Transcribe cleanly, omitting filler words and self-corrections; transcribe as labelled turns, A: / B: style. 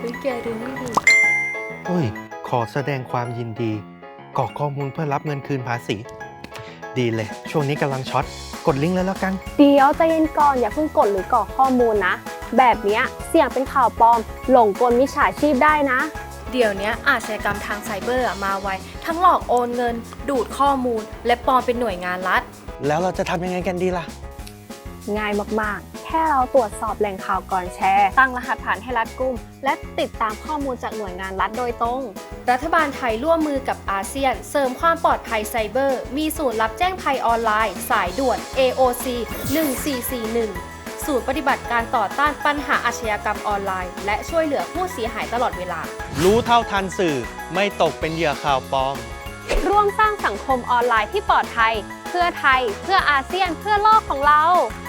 A: แกดูนี่ดิ
B: ขอแสดงความยินดีกรอกข้อมูลเพื่อรับเงินคืนภาษี ดีเลย ช่วงนี้กำลังช็อต กดลิงก์เลยแล้วกัน
C: เดี๋ยวใจเย็นก่อนอย่าเพิ่งกดหรือกรอกข้อมูลนะ แบบเนี้ยเสี่ยงเป็นข่าวปลอม หลงกลมิจฉาชีพได้นะ
A: เดี๋ยวนี้อาชญากรรมทางไซเบอร์มาไวทั้งหลอกโอนเงิน ดูดข้อมูล และปลอมเป็นหน่วยงานรัฐ
B: แล้วเราจะทำยังไงกันดีล่ะ
C: ง่ายมากๆ แค่เราตรวจสอบแหล่งข่าวก่อนแชร์ ตั้งรหัสผ่านให้รัดกุม และติดตามข้อมูลจากหน่วยงานรัฐโดยตรง
A: รัฐบาลไทยร่วมมือกับอาเซียน เสริมความปลอดภัยไซเบอร์ มีศูนย์รับแจ้งภัยออนไลน์ สายด่วน AOC 1441 ศูนย์ปฏิบัติการต่อต้านปัญหาอาชญากรรมออนไลน์ และช่วยเหลือผู้เสียหายตลอดเวลา
B: รู้เท่าทันสื่อไม่ตกเป็นเหยื่อข่าวปลอม
C: ร่วมสร้างสังคมออนไลน์ที่ปลอดภัย เพื่อไทย เพื่ออาเซียน เพื่อโลกของเรา